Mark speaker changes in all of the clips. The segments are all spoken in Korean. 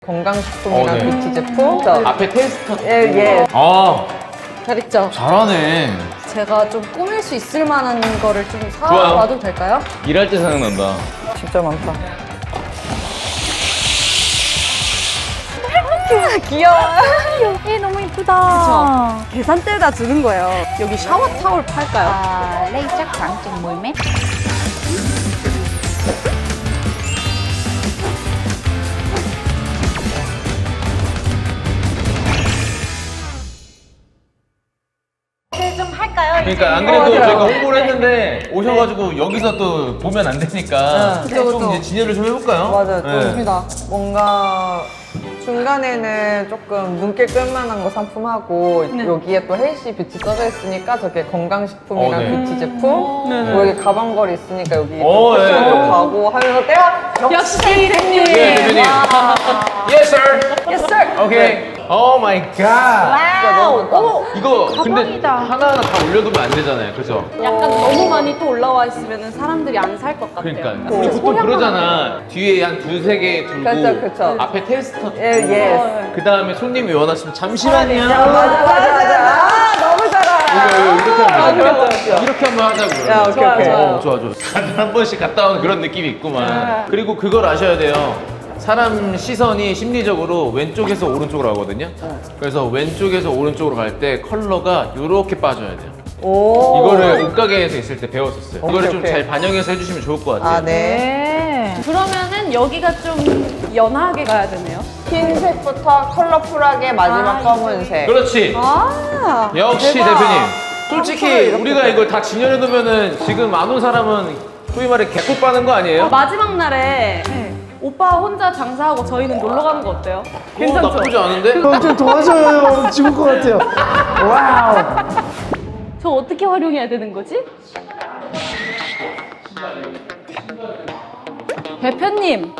Speaker 1: 건강식품이랑
Speaker 2: 네.
Speaker 1: 뷰티 제품.
Speaker 2: 앞에 테스터.
Speaker 1: 예.
Speaker 2: 아,
Speaker 3: 잘 있죠?
Speaker 2: 잘하네.
Speaker 3: 제가 좀 꾸밀 수 있을 만한 거를 좀
Speaker 2: 좋아요.
Speaker 3: 사와도 될까요?
Speaker 2: 일할 때 생각난다.
Speaker 1: 진짜 많다.
Speaker 3: 귀여워요.
Speaker 4: 얘 너무 이쁘다.
Speaker 3: 계산대에다 두는 거예요. 여기 샤워 타올 팔까요?
Speaker 4: À, đây chắc khoảng chừng 10 mét. 좀 할까요?
Speaker 2: 그러니까 안 그래도 저희가 홍보를 했는데 오셔가지고 여기서 또 보면 안 되니까 좀 이제 진열을 좀 해볼까요?
Speaker 1: 맞아요.
Speaker 2: 네.
Speaker 3: 좋습니다.
Speaker 1: 뭔가 중간에는 조금 눈길 끌만한 거 상품하고 여기에 또 헬시 뷰티 써져 있으니까 저게 건강식품이랑
Speaker 2: 네.
Speaker 1: 뷰티 제품 그리고 여기 가방걸이 있으니까 여기
Speaker 2: 오,
Speaker 1: 패션
Speaker 2: 네.
Speaker 1: 쪽 가고 하면서 내가
Speaker 3: 역시 대표님.
Speaker 2: 네, 대표님. Yes, sir.
Speaker 1: Yes sir!
Speaker 2: 오케이. 오 마이 갓.
Speaker 1: 와우!
Speaker 2: 이거 근데
Speaker 4: 가방이다.
Speaker 2: 하나하나 다 올려두면 안 되잖아요. 그죠?
Speaker 3: 약간 너무 많이 또 올라와 있으면 사람들이 안 살 것 같아요.
Speaker 2: 그러니까 우리 보통 그러잖아. 뒤에 한 두세 개 두고
Speaker 1: 그쵸.
Speaker 2: 앞에 테스터.
Speaker 1: 예.
Speaker 2: 그 다음에 손님이 원하시면 잠시만요.
Speaker 1: 맞아. 아, 너무 잘하.
Speaker 2: 이렇게 하면 되죠. 이렇게 한번 하자고.
Speaker 1: 야, 오케이.
Speaker 2: 좋아. 다들 한 번씩 갔다 오는 그런 느낌이 있구만. 그리고 그걸 아셔야 돼요. 사람 시선이 심리적으로 왼쪽에서 오른쪽으로 가거든요. 그래서 왼쪽에서 오른쪽으로 갈 때 컬러가 이렇게 빠져야 돼요.
Speaker 1: 오.
Speaker 2: 이거를 옷가게에서 있을 때 배웠었어요. 이거를 좀
Speaker 1: 오케이.
Speaker 2: 잘 반영해서 해주시면 좋을 것 같아요.
Speaker 1: 아, 네.
Speaker 4: 네.
Speaker 3: 그러면은 여기가 좀 연하게 가야 되네요.
Speaker 1: 흰색부터 컬러풀하게 마지막 검은색.
Speaker 2: 그렇지.
Speaker 3: 아,
Speaker 2: 역시
Speaker 1: 대박.
Speaker 2: 대표님. 솔직히
Speaker 1: 이렇게
Speaker 2: 우리가 이걸 다 진열해 두면은 지금 안 온 사람은 소위 말해 개꿀 빠는 거 아니에요?
Speaker 3: 마지막 날에 오빠 혼자 장사하고 저희는 놀러 가는 거 어때요?
Speaker 2: 그거 나쁘지 않은데?
Speaker 5: 좀 도와줘요. 죽을 것 같아요. 와우.
Speaker 3: 저 어떻게 활용해야 되는 거지? 대표님,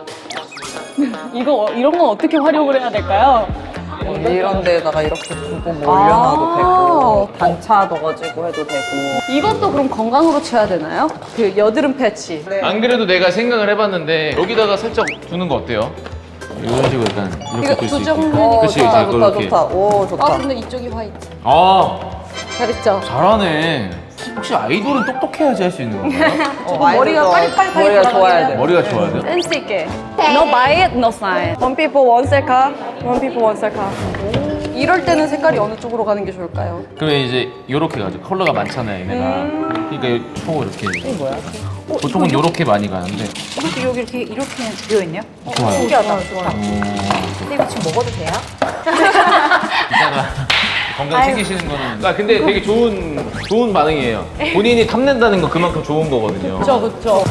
Speaker 3: 이런 건 어떻게 활용을 해야 될까요?
Speaker 1: 이런 데다가 이렇게 두고 뭐 올려놔도 되고 단차 넣어가지고 해도 되고.
Speaker 3: 이것도 그럼 건강으로 쳐야 되나요? 그 여드름 패치.
Speaker 1: 네.
Speaker 2: 안 그래도 내가 생각을 해봤는데 여기다가 살짝 두는 거 어때요? 이런 식으로 약간 이렇게
Speaker 3: 이거
Speaker 2: 둘 수
Speaker 3: 두
Speaker 2: 있게.
Speaker 3: 정도.
Speaker 2: 그치,
Speaker 1: 좋다,
Speaker 2: 이제
Speaker 1: 좋다,
Speaker 2: 이렇게.
Speaker 1: 좋다. 오, 좋다.
Speaker 3: 아 근데 이쪽이 화이트.
Speaker 2: 아,
Speaker 3: 잘 있죠?
Speaker 2: 잘하네. 혹시 아이돌은 똑똑해야지 할 수 있는 건가요?
Speaker 3: 머리가 빠릿빠릿하게
Speaker 1: 머리가
Speaker 3: 돌아가게
Speaker 1: 좋아야
Speaker 3: 해야
Speaker 1: 돼.
Speaker 2: 머리가 좋아야 돼요?
Speaker 3: 센스 있게. No buy it, no sign. One people, one 셀카. One people, one 셀카. 이럴 때는 색깔이 어느 쪽으로 가는 게 좋을까요?
Speaker 2: 그러면 이제 요렇게 가죠. 컬러가 많잖아요, 얘네가. 그러니까 총 이렇게. 이게 뭐야? 보통은 요렇게 많이 가는데.
Speaker 4: 이것도 여기 이렇게 비어 있네요.
Speaker 2: 좋아요.
Speaker 4: 신기하다. 근데 이거 지금 먹어도 돼요?
Speaker 2: 이따가 건강 챙기시는 거는. 아 근데 되게 좋은 반응이에요. 본인이 탐낸다는 건 그만큼 좋은 거거든요.
Speaker 3: 그쵸.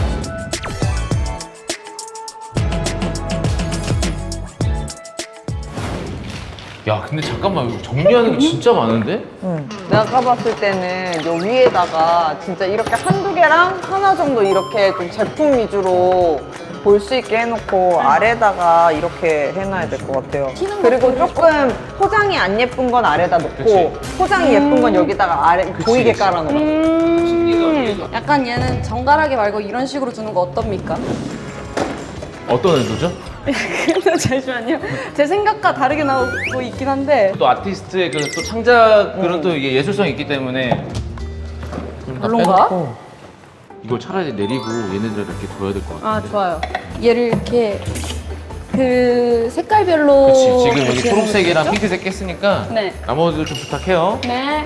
Speaker 2: 야 근데 잠깐만 이거 정리하는 게 진짜 많은데?
Speaker 1: 내가 까봤을 때는 요 위에다가 진짜 이렇게 한두 개랑 하나 정도 이렇게 좀 제품 위주로 볼 수 있게 해놓고 아래다가 이렇게 해놔야 될 것 같아요. 그리고 조금 포장이 안 예쁜 건 아래다 놓고
Speaker 2: 그치.
Speaker 1: 포장이 예쁜 건 여기다가 아래 보이게 깔아놓아.
Speaker 3: 약간 얘는 정갈하게 말고 이런 식으로 두는 거 어떻습니까?
Speaker 2: 어떤 의도죠?
Speaker 3: 근데 잠시만요. 제 생각과 다르게 나오고 있긴 한데
Speaker 2: 또 아티스트의 그 또 창작 그런 또 이게 예술성이 있기 때문에
Speaker 3: 별론가?
Speaker 2: 이걸 차라리 내리고 얘네들 이렇게 둬야 될 것 같아.
Speaker 3: 아 좋아요. 얘를 이렇게 그 색깔별로
Speaker 2: 그치 지금 여기
Speaker 3: 배치하는
Speaker 2: 초록색이랑
Speaker 3: 거죠?
Speaker 2: 핑크색 깼으니까
Speaker 3: 네.
Speaker 2: 나머지도 좀 부탁해요.
Speaker 3: 네.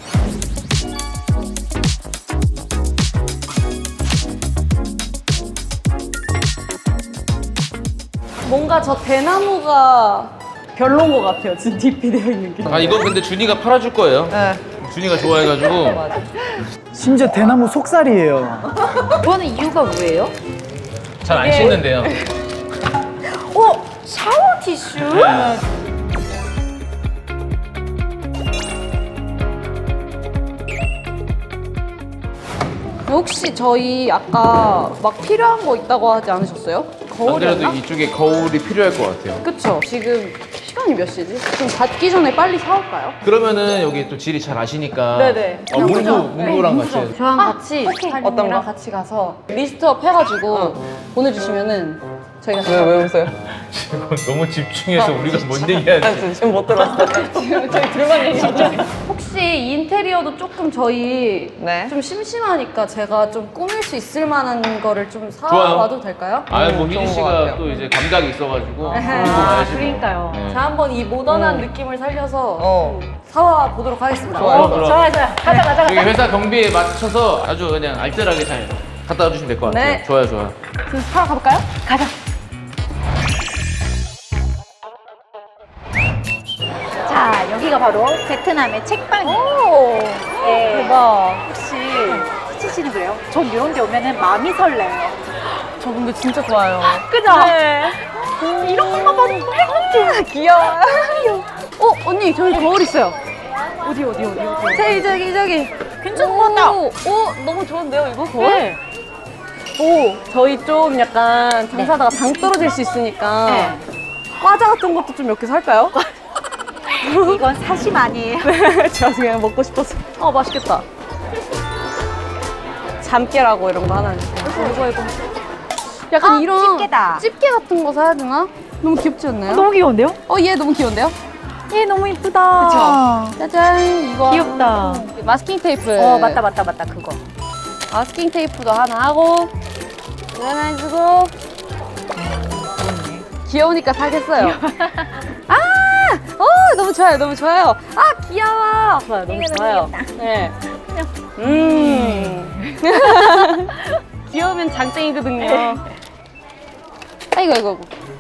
Speaker 3: 뭔가 저 대나무가 별론 것 같아요. 지금 DP 되어 있는 게.
Speaker 2: 아 이건 근데 준이가 팔아줄 거예요.
Speaker 1: 네.
Speaker 2: 준이가 좋아해가지고
Speaker 5: 심지어 대나무 속살이에요.
Speaker 4: 그거는 이유가 뭐예요?
Speaker 2: 잘 안 씻는데요.
Speaker 4: 샤워 티슈?
Speaker 3: 혹시 저희 아까 막 필요한 거 있다고 하지 않으셨어요?
Speaker 2: 안
Speaker 3: 거울이었나?
Speaker 2: 그래도 이쪽에 거울이 필요할 것 같아요.
Speaker 3: 그쵸. 지금 시간이 몇 시지? 지금 닫기 전에 빨리 사올까요?
Speaker 2: 그러면은 여기 또 지리 잘 아시니까
Speaker 3: 네네.
Speaker 2: 문구랑 같이 해서.
Speaker 3: 저랑 같이
Speaker 1: 어떤 거?
Speaker 3: 같이 가서 리스트업 해가지고 보내주시면은 저희가
Speaker 1: 왜 웃어요?
Speaker 2: 너무 집중해서 우리가 뭔 얘기하는지.
Speaker 1: 지금 못 들었어요.
Speaker 3: 저희 둘만 얘기하죠. 혹시 인테리어도 조금 저희
Speaker 1: 네.
Speaker 3: 좀 심심하니까 제가 좀 꾸밀 수 있을 만한 거를 좀
Speaker 2: 좋아요.
Speaker 3: 사와도 될까요?
Speaker 2: 뭐
Speaker 1: 좋은
Speaker 2: 희진
Speaker 1: 것
Speaker 2: 씨가
Speaker 1: 같아요.
Speaker 2: 또 이제 감각이 있어가지고.
Speaker 3: 아,
Speaker 4: 그러니까요.
Speaker 2: 네.
Speaker 3: 자, 한번 이 모던한 느낌을 살려서
Speaker 1: 어.
Speaker 3: 사와 보도록 하겠습니다.
Speaker 1: 좋아요.
Speaker 2: 그럼.
Speaker 4: 좋아요. 가자.
Speaker 2: 여기 회사 경비에 맞춰서 아주 그냥 알뜰하게 잘 갖다 주시면 될 것 같아요.
Speaker 3: 네.
Speaker 2: 좋아요, 좋아요.
Speaker 3: 지금 사러 가볼까요?
Speaker 4: 가자. 자, 여기가 바로 베트남의 책방이에요.
Speaker 3: 오,
Speaker 4: 네.
Speaker 3: 대박.
Speaker 4: 혹시 희진 씨는 그래요? 전 이런 데 오면은 마음이 설레요.
Speaker 3: 저 근데 진짜 좋아요.
Speaker 4: 그죠?
Speaker 3: 네.
Speaker 4: 이런 것만 봐도 행복해.
Speaker 3: 귀여워. 언니, 저기 거울 있어요.
Speaker 4: 어디.
Speaker 3: 저기.
Speaker 4: 괜찮은 것 같다.
Speaker 3: 오, 너무 좋은데요, 이거 거울?
Speaker 4: 네.
Speaker 3: 오, 저희 좀 약간 장사하다가 당 떨어질 수 있으니까
Speaker 4: 네.
Speaker 3: 과자 같은 것도 좀 몇 개 살까요?
Speaker 4: 이건 사심 아니에요.
Speaker 3: 제가 그냥 먹고 싶어서. 맛있겠다. 잠깨라고 이런 거 하나. 이거. 약간 이런
Speaker 4: 집게다.
Speaker 3: 집게 같은 거 사야 되나? 너무 귀엽지 않나요?
Speaker 4: 너무 귀여운데요?
Speaker 3: 얘 너무 귀여운데요?
Speaker 4: 얘 너무 이쁘다.
Speaker 3: 그쵸? 짜잔, 이거.
Speaker 4: 귀엽다.
Speaker 3: 마스킹 테이프.
Speaker 4: 맞다. 그거.
Speaker 3: 마스킹 테이프도 하나 하고, 이거 하나 해주고. 귀여우니까 사겠어요. 너무 좋아요, 너무 좋아요. 귀여워. 좋아요, 너무 좋아요. 네. 귀여우면 장땡이거든요. 아이고.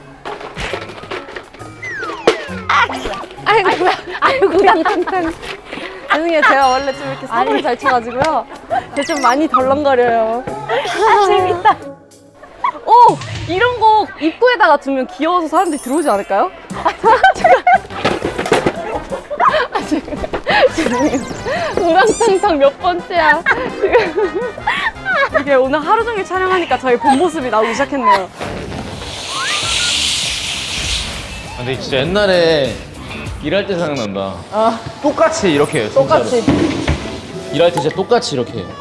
Speaker 3: 아이고, 탕탕탕. 죄송해요, 제가 원래 좀 이렇게 사고를 잘 쳐가지고요. 제가 좀 많이 덜렁거려요.
Speaker 4: 재밌다.
Speaker 3: 이런 거 입구에다가 두면 귀여워서 사람들이 들어오지 않을까요? 죄송해요. 우당탕탕 몇 번째야. 지금. 이게 오늘 하루 종일 촬영하니까 저희 본 모습이 나오기 시작했네요.
Speaker 2: 근데 진짜 옛날에 일할 때 생각난다. 똑같이 이렇게 해요, 진짜로.
Speaker 3: 똑같이.
Speaker 2: 일할 때 진짜 똑같이 이렇게 해요.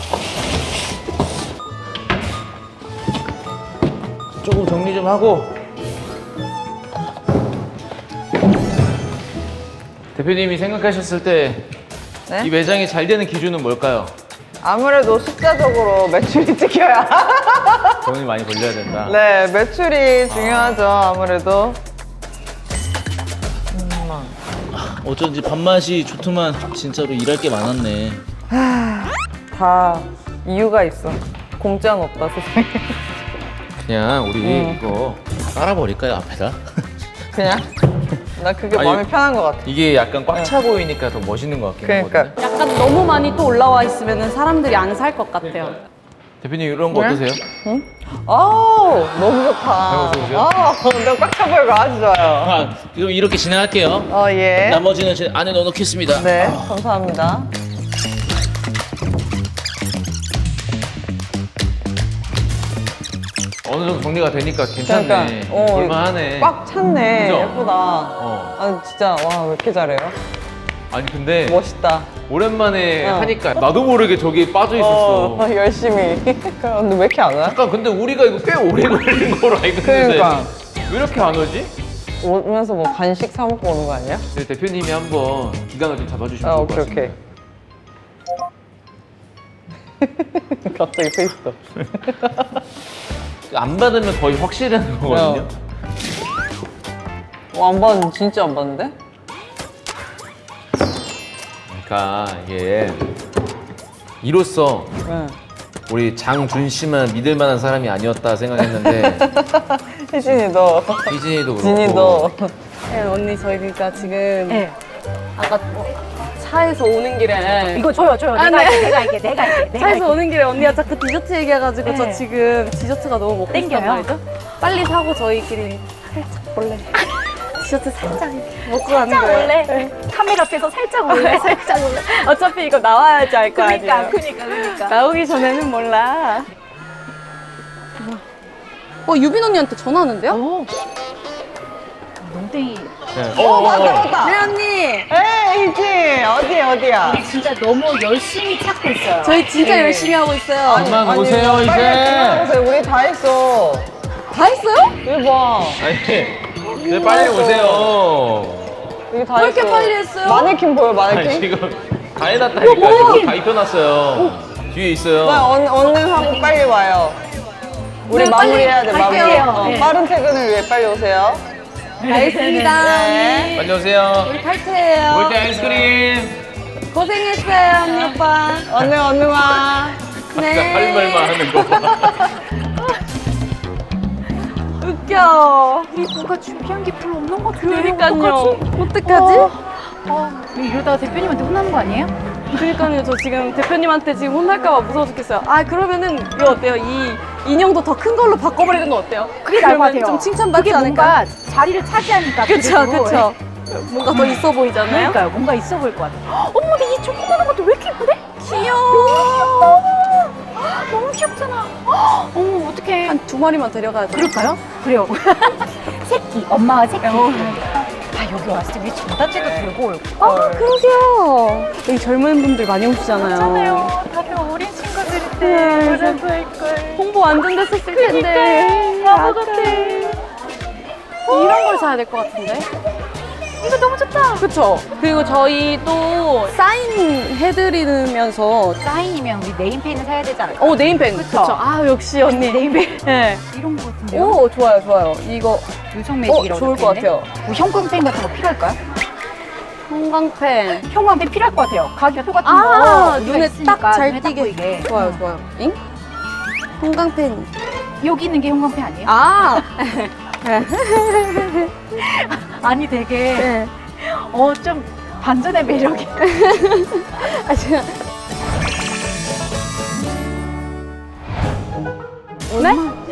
Speaker 2: 조금 정리 좀 하고. 대표님이 생각하셨을 때 이
Speaker 1: 네?
Speaker 2: 매장이 잘 되는 기준은 뭘까요?
Speaker 1: 아무래도 숫자적으로 매출이 찍혀야.
Speaker 2: 돈이 많이 벌려야 된다.
Speaker 1: 네, 매출이 중요하죠, 아무래도.
Speaker 6: 어쩐지 밥맛이 좋더만 진짜로 일할 게 많았네.
Speaker 1: 다 이유가 있어. 공짜는 없다, 세상에.
Speaker 2: 그냥 우리 이거
Speaker 6: 깔아버릴까요 앞에다?
Speaker 1: 그냥? 나 그게
Speaker 2: 아니,
Speaker 1: 마음이 편한 것 같아.
Speaker 2: 이게 약간 꽉 차 보이니까 더 멋있는 것 같긴
Speaker 1: 그러니까.
Speaker 2: 하거든요.
Speaker 3: 약간 너무 많이 또 올라와 있으면 사람들이 안 살 것 같아요.
Speaker 2: 대표님 이런 거
Speaker 1: 네?
Speaker 2: 어떠세요?
Speaker 1: 아우, 너무 좋다.
Speaker 2: 너무 좋으세요?
Speaker 1: 너무 꽉 차 보이고 아주 좋아요.
Speaker 6: 그럼 이렇게 진행할게요.
Speaker 1: 예.
Speaker 6: 나머지는 제 안에 넣어놓겠습니다.
Speaker 1: 네, 감사합니다.
Speaker 2: 어느 정도 정리가 되니까 괜찮네.
Speaker 1: 그러니까,
Speaker 2: 볼만하네.
Speaker 1: 꽉 찼네.
Speaker 2: 그죠?
Speaker 1: 예쁘다. 아, 진짜, 와, 왜 이렇게 잘해요?
Speaker 2: 아니 근데
Speaker 1: 멋있다.
Speaker 2: 오랜만에
Speaker 1: 어.
Speaker 2: 하니까 나도 모르게 저기 빠져 있었어.
Speaker 1: 열심히. 근데 왜 이렇게 안 와?
Speaker 2: 잠깐 근데 우리가 이거 꽤 오래 걸린 거로 알고 있는데
Speaker 1: 그러니까.
Speaker 2: 왜 이렇게 안 오지?
Speaker 1: 오면서 뭐 간식 사 먹고 오는 거 아니야?
Speaker 2: 네, 대표님이 한번 기강을 좀 잡아주시면
Speaker 1: 아,
Speaker 2: 좋을 것
Speaker 1: 오케이,
Speaker 2: 같습니다.
Speaker 1: 오케이. 갑자기 페이스도.
Speaker 2: 안 받으면 거의 확실한 거거든요.
Speaker 1: 안 봤는데, 진짜 안 봤는데?
Speaker 2: 그러니까 이게 이로써
Speaker 1: 응.
Speaker 2: 우리 장준 씨만 믿을 만한 사람이 아니었다 생각했는데
Speaker 1: 혜진이도,
Speaker 2: 희진이도 그렇고
Speaker 1: 진이도.
Speaker 3: 네, 언니 저희 그러니까 지금
Speaker 4: 네.
Speaker 3: 아까 차에서 오는 길에
Speaker 4: 이거 줘요.
Speaker 3: 아,
Speaker 4: 내가
Speaker 3: 네.
Speaker 4: 할게. 내가 할게.
Speaker 3: 차에서 오는 길에 언니가 자꾸 디저트 얘기해가지고 저
Speaker 4: 네.
Speaker 3: 지금 디저트가 너무 먹고 싶단
Speaker 4: 땡겨요?
Speaker 3: 말이죠? 빨리 사고 저희끼리 살짝 몰래 디저트 살짝 먹고 가는 거예요.
Speaker 4: 원래 카메라 앞에서 살짝 올래.
Speaker 3: 살짝 몰래. 어차피 이거 나와야지 알 거 아니에요.
Speaker 4: 그니까.
Speaker 3: 나오기 전에는 몰라. 유빈 언니한테 전화하는데요?
Speaker 4: 오. 농땡이.
Speaker 2: 네.
Speaker 1: 맞다.
Speaker 3: 네 언니.
Speaker 1: 에이, 희진. 어디야?
Speaker 4: 진짜 너무 열심히 찾고 있어요.
Speaker 3: 저희 진짜
Speaker 1: 네.
Speaker 3: 열심히 하고 있어요.
Speaker 2: 그만 오세요
Speaker 1: 빨리
Speaker 2: 이제.
Speaker 1: 그만하세요. 우리 다 했어.
Speaker 3: 다 했어요?
Speaker 1: 이거 봐.
Speaker 2: 아니, 이제 빨리 오세요.
Speaker 1: 이게 다
Speaker 3: 왜 이렇게
Speaker 1: 했어.
Speaker 3: 빨리 했어요?
Speaker 1: 마네킹 보여,
Speaker 2: 아니,
Speaker 1: 마네킹?
Speaker 2: 지금 다 해놨다니까. 지금 다 입혀놨어요. 뒤에 있어요.
Speaker 1: 얼른 하고 빨리 와요. 우리
Speaker 3: 네, 빨리
Speaker 1: 마무리해야 돼, 마무리.
Speaker 3: 갈게요.
Speaker 4: 네.
Speaker 1: 빠른 퇴근을 위해 빨리 오세요.
Speaker 3: 알겠습니다.
Speaker 1: 네.
Speaker 2: 빨리 오세요.
Speaker 3: 우리 탈퇴해요.
Speaker 2: 올 때 아이스크림.
Speaker 3: 고생했어요, 언니 오빠.
Speaker 1: 얼른 와.
Speaker 3: 네.
Speaker 2: 할 말만 하는 거 봐.
Speaker 3: 웃겨.
Speaker 4: 우리 뭔가 준비한 게 별로 없는 것 같은데.
Speaker 3: 그러니까요. 어떡하지?
Speaker 4: 이러다가 대표님한테 혼나는 거 아니에요?
Speaker 3: 그러니까요. 저 지금 대표님한테 지금 혼날까봐 무서워 죽겠어요. 아, 그러면은 이거 어때요? 이 인형도 더 큰 걸로 바꿔버리는 거 어때요?
Speaker 4: 그게 나을 것
Speaker 3: 그러면
Speaker 4: 같아요.
Speaker 3: 좀 칭찬받지
Speaker 4: 그게
Speaker 3: 않을까?
Speaker 4: 뭔가 자리를 차지하니까.
Speaker 3: 그쵸,
Speaker 4: 그래도.
Speaker 3: 그쵸. 뭔가 더 있어 보이잖아요?
Speaker 4: 그러니까요. 뭔가 있어 보일 것 같아요. 어머, 근데 이 조그마한 것도 왜 이렇게 예쁘대?
Speaker 3: 귀여워.
Speaker 4: 너무 귀엽잖아. 어머, 어떡해.
Speaker 3: 한 2마리만 데려가야 돼.
Speaker 4: 그럴까요? 그래요. 새끼, 엄마가 새끼. 아, 여기 왔을 때 왜 전단지도 들고 올
Speaker 3: 아, 그러게요. 여기 젊은 분들 많이 오시잖아요.
Speaker 4: 다들 어린 친구들인데.
Speaker 3: 네,
Speaker 4: 그래도 할걸.
Speaker 3: 홍보 완전 됐었을 텐데.
Speaker 4: 바보 같아.
Speaker 3: 이런 걸 사야 될 것 같은데.
Speaker 4: 이거 너무 좋다.
Speaker 3: 그쵸? 그리고 저희 또 사인 해드리면서
Speaker 4: 사인이면 우리 네임펜을 사야 되지 않을까?
Speaker 3: 네임펜. 그쵸? 아, 역시 언니.
Speaker 4: 네임펜.
Speaker 3: 네.
Speaker 4: 이런 거 같은데요?
Speaker 3: 오, 좋아요, 좋아요. 이거
Speaker 4: 유성 매직이라고
Speaker 3: 좋을 것
Speaker 4: 적혀있네.
Speaker 3: 같아요.
Speaker 4: 뭐 형광펜 같은 거 필요할까요?
Speaker 3: 형광펜.
Speaker 4: 형광펜 필요할 것 같아요. 가격표 같은
Speaker 3: 아,
Speaker 4: 거
Speaker 3: 눈에
Speaker 4: 있으니까
Speaker 3: 딱 잘
Speaker 4: 눈에
Speaker 3: 띄게.
Speaker 4: 보이게.
Speaker 3: 좋아요, 좋아요. 잉? 형광펜.
Speaker 4: 여기 있는 게 형광펜 아니에요?
Speaker 3: 아!
Speaker 4: 아니 되게
Speaker 3: 네.
Speaker 4: 좀 반전의 매력이.
Speaker 3: 아, 제가. 네?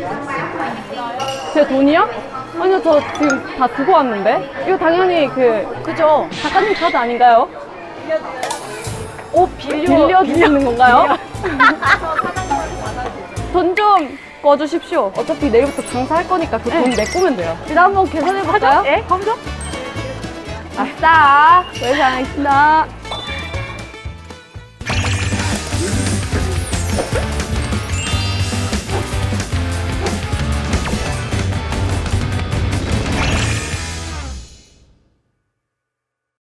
Speaker 3: 제 돈이요? 아니요, 저 지금 다 두고 왔는데? 이거 당연히
Speaker 4: 그죠?
Speaker 3: 작가님 카드 아닌가요? 빌려주시는 건가요? 돈 좀 꺼주십시오. 어차피 내일부터 장사할 거니까 그 돈 메꾸면 돼요. 일단 한번 계산해볼까요?
Speaker 4: 예? 검정?
Speaker 3: 아싸! 외상하겠습니다.